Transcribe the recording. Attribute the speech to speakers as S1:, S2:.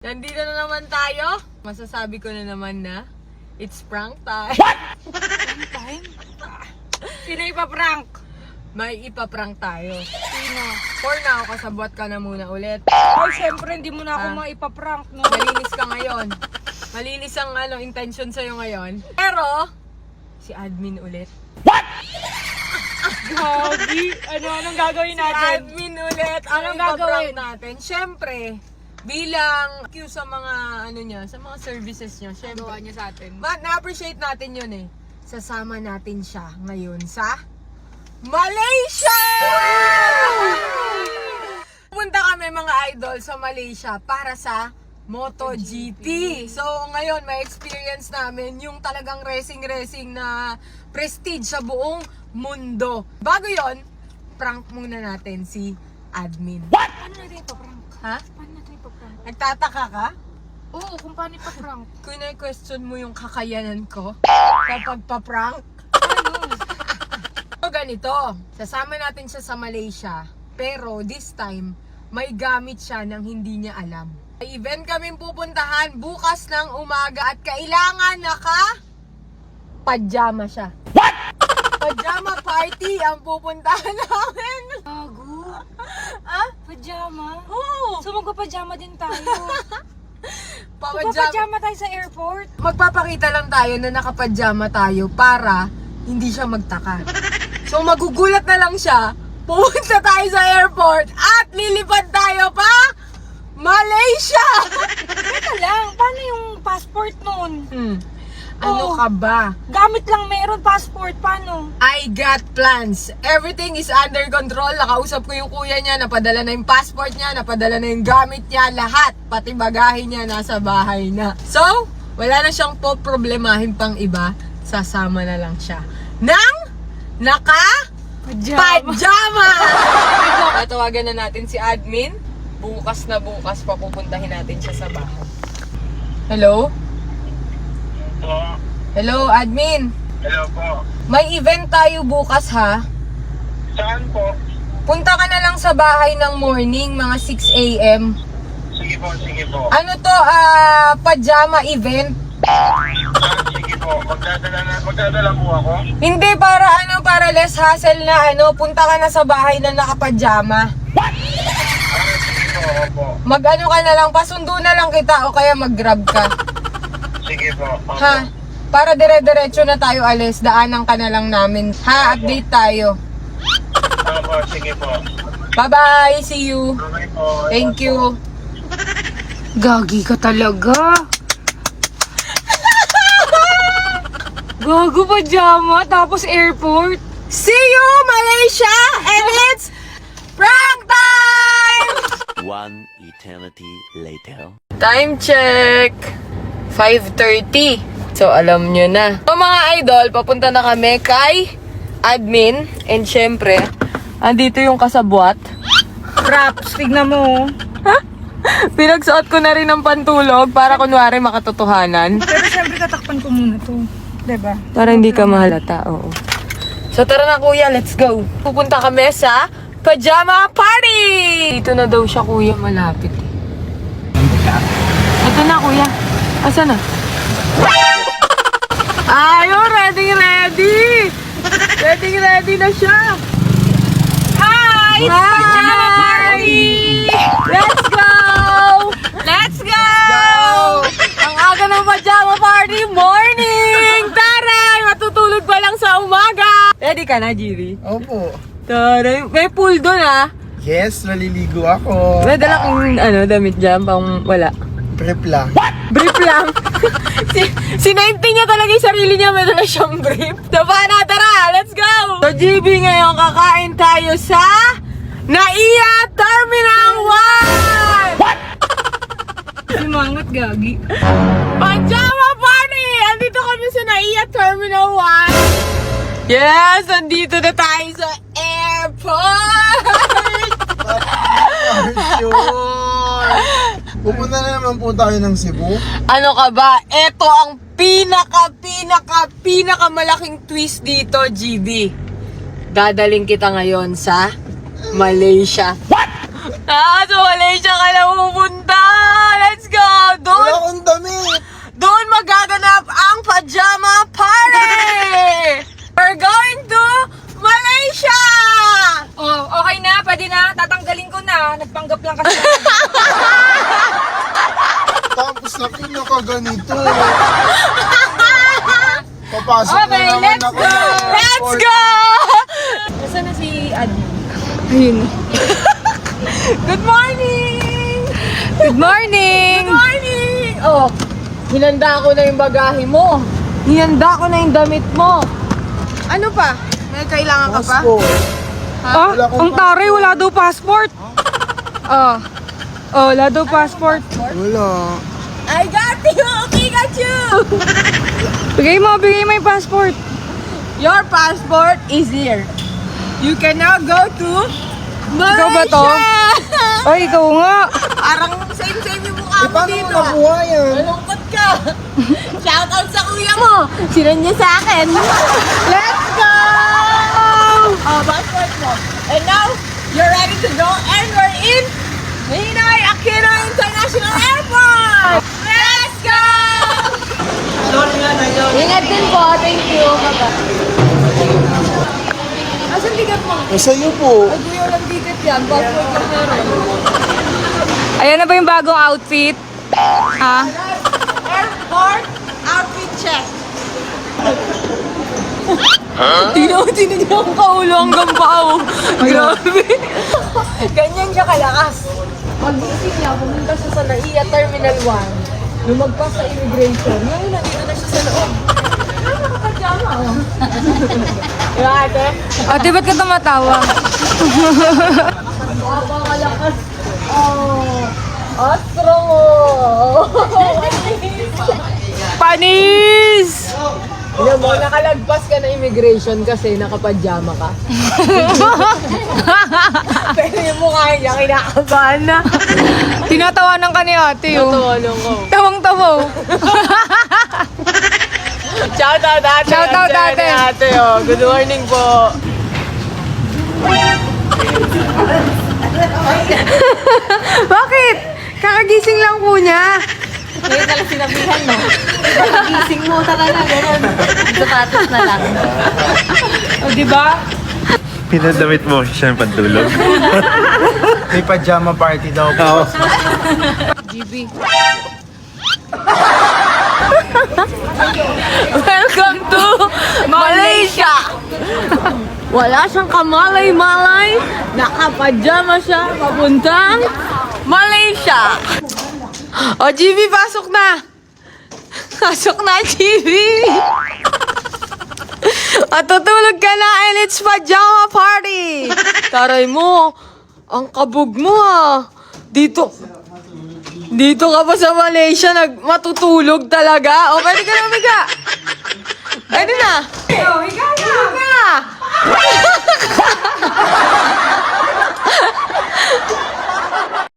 S1: Nandito na naman tayo. Masasabi ko na naman na it's prank time.
S2: Prank time? Sino ipaprank?
S1: May ipaprank tayo.
S2: Sino?
S1: For now, kasabwat ka na muna ulit.
S2: Ay, syempre, hindi mo na ako maipaprank, no?
S1: Malinis ka ngayon. Malinis ang intention sa'yo ngayon. Pero, si admin ulit.
S2: Gagi! Anong gagawin
S1: Si
S2: natin?
S1: admin ulit. Anong
S2: Anong gagawin
S1: natin? Siyempre, bilang cue sa mga sa mga services niya. Siyempre,
S2: Gawa niya sa atin.
S1: na-appreciate natin yun eh. Sasama natin siya ngayon sa Malaysia! Punta kami mga idol sa Malaysia para sa MotoGP. So ngayon may experience namin yung talagang racing na prestige sa buong mundo. Bago yon, prank muna natin si admin.
S2: Paano natin ipaprank?
S1: Ha?
S2: Paano natin ipaprank?
S1: Nagtataka ka?
S2: Oo, kung paano ipaprank.
S1: Kung na-question mo yung kakayanan ko sa pagpa-prank.
S2: Ano?
S1: So ganito, sasama natin siya sa Malaysia, pero this time, may gamit siya nang hindi niya alam. May event kaming pupuntahan bukas ng umaga at kailangan naka-pajama siya. What? Pajama party ang pupuntahan namin.
S2: Gago?
S1: Ah?
S2: Pajama?
S1: Oo.
S2: So magpapajama din tayo. So
S1: Pajama.
S2: papajama tayo sa airport?
S1: Magpapakita lang tayo na nakapajama tayo para hindi siya magtaka. So magugulat na lang siya, pupunta tayo sa airport at lilipad tayo pa Malaysia!
S2: Teka lang, paano yung passport nun?
S1: Ano
S2: Oo.
S1: ka ba?
S2: Gamit lang meron passport, paano?
S1: I got plans. Everything is under control. Nakausap ko yung kuya niya, napadala na yung passport niya, napadala na yung gamit niya, lahat. Pati bagahe niya nasa bahay na. So, wala na siyang problemahin pang iba. Sasama na lang siya ng naka-pajama! Tatawagan na natin si admin. Bukas na bukas papupuntahin natin siya sa bahay. Hello?
S3: Po.
S1: Hello, admin.
S3: Hello po.
S1: May event tayo bukas ha.
S3: Saan po?
S1: Punta ka na lang sa bahay ng morning, mga 6 a.m.
S3: Sige po, sige po.
S1: Ano to, pajama event?
S3: Sige po. Magdadala po ako.
S1: Hindi, para less hassle na punta ka na sa bahay na nakapajama.
S3: Sige po, opo.
S1: Mag-ano ka na lang, pasundo na lang kita o kaya mag-grab ka.
S3: Sige po, opo.
S1: Ha? Para dire-diretso na tayo alis, daanan ka na lang namin. Ha, update tayo.
S3: Opo, sige po.
S1: Bye-bye, see you.
S3: Okay po.
S1: Thank you.
S2: Gagi ka talaga. Gago pajama, tapos airport.
S1: See you, Malaysia! And it's prank time!
S4: One eternity later.
S1: Time check! 5:30. So, alam nyo na. So, mga idol, papunta na kami kay admin. And syempre, andito yung kasabwat.
S2: Props, tignan mo.
S1: Pinagsuot ko na rin ng pantulog para kunwari makatotohanan.
S2: Pero syempre tatakpan ko muna to. Diba?
S1: Para hindi ka mahalata, oo. So, tara na kuya, let's go. Pupunta kami sa pajama party! Dito na daw siya kuya, malapit. Ito na kuya. Asa na? Ayun, ready! Ready na siya!
S2: Hi! It's pajama party!
S1: Let's go!
S2: Let's go!
S1: Ang aga ng pajama party, morning! Taray! Matutulog pa lang sa umaga! Ready ka na, Jiri?
S5: Opo.
S1: Taray! May pool doon ah!
S5: Yes, naliligo ako.
S1: May dala kang damit dyan, pang wala.
S5: Prep lang.
S1: Brief lang. Sinainti niya talaga yung sarili niya, may dala siyang brief. So, paano? Tara! Let's go! So, GB, ngayon kakain tayo sa Naiya Terminal 1!
S2: Simangat, Gagi.
S1: Pajama party! Andito kami sa Naiya Terminal 1. Yes! Andito na tayo sa airport!
S5: Sure. Pupunta na naman po tayo ng Cebu.
S1: Ano ka ba? Ito ang pinakamalaking twist dito, GB. Dadaling kita ngayon sa Malaysia. What? So Malaysia ka na pupunta! Let's go!
S5: Sakin na ka ganito. Papasok
S2: Okay,
S5: na naman
S2: let's
S5: ako.
S2: go!
S1: Let's go!
S2: Nasaan na si Adi?
S1: Ayun. Good morning!
S2: Good morning!
S1: Good morning! Oh, hinanda ko na yung bagahe mo. Hinanda ko na yung damit mo. Ano pa? May kailangan ka pa?
S5: Passport.
S2: Ah,
S5: Wala akong
S2: ang taray, wala daw passport. Oh, wala daw passport.
S5: Wala.
S1: I got you! Pikachu!
S2: Bigay mo yung passport.
S1: Your passport is here. You can now go to Malaysia!
S2: Ikaw ba to? Ay, ikaw nga.
S1: Parang same-same yung mukha mo
S5: Paano mo
S1: dito.
S5: nakuha yan?
S1: Malungkot ka. Shoutout sa kuya mo. Sinan niya sa akin. Let's go! Oh, passport mo. And now, you're ready to go and we're in Ninoy Aquino International Airport! Let's go! Ingat din po. Thank you. Asan ticket mo?
S5: Sa'yo po.
S1: Ay, kuya, walang ticket yan. Passport lang meron.
S2: Ayan na ba yung bagong outfit? Ha?
S1: Airport outfit check. Tingnan niyo ang kaulo hanggang pao. Grabe. Ganyan siya kalakas. Pag-isip niya, pumunta siya sa NAIA Terminal 1. Lumagpas sa immigration. Ngayon, nandito na siya sa loob. Nakakapajama, oh. Diba, ate?
S2: Ate, ba't ka tumatawa?
S1: Napakalakas. Oh. Astro mo.
S2: Panis!
S1: Alam mo, nakalagpas ka na immigration kasi nakapajama ka. Pero yung mukha niya, kinakabahan na.
S2: Tinatawanan ka ni ate, oh.
S1: Natulong ko.
S2: Tawang-tawaw.
S1: Shoutout ate.
S2: Shoutout,
S1: Ang saya
S2: ate.
S1: ni ate, oh. Good morning po.
S2: Bakit? Kakagising lang po niya.
S1: Ngayon talaga sinabihan mo. Pag-gising mo talaga, gano'n. Sapatos na lang.
S2: O, di ba?
S6: Pinadamit mo siya ng pantulog.
S5: May pajama party daw po.
S2: GB.
S1: Welcome to Malaysia! Wala siyang kamalay-malay. Nakapajama siya papuntang Malaysia. O, GB, pasok na. Pasok na, GB. At tutulog ka na and it's pajama party. Taray mo, ang kabog mo ah. Dito ka pa sa Malaysia, matutulog talaga. O, pwede ka na umiga. Pwede na.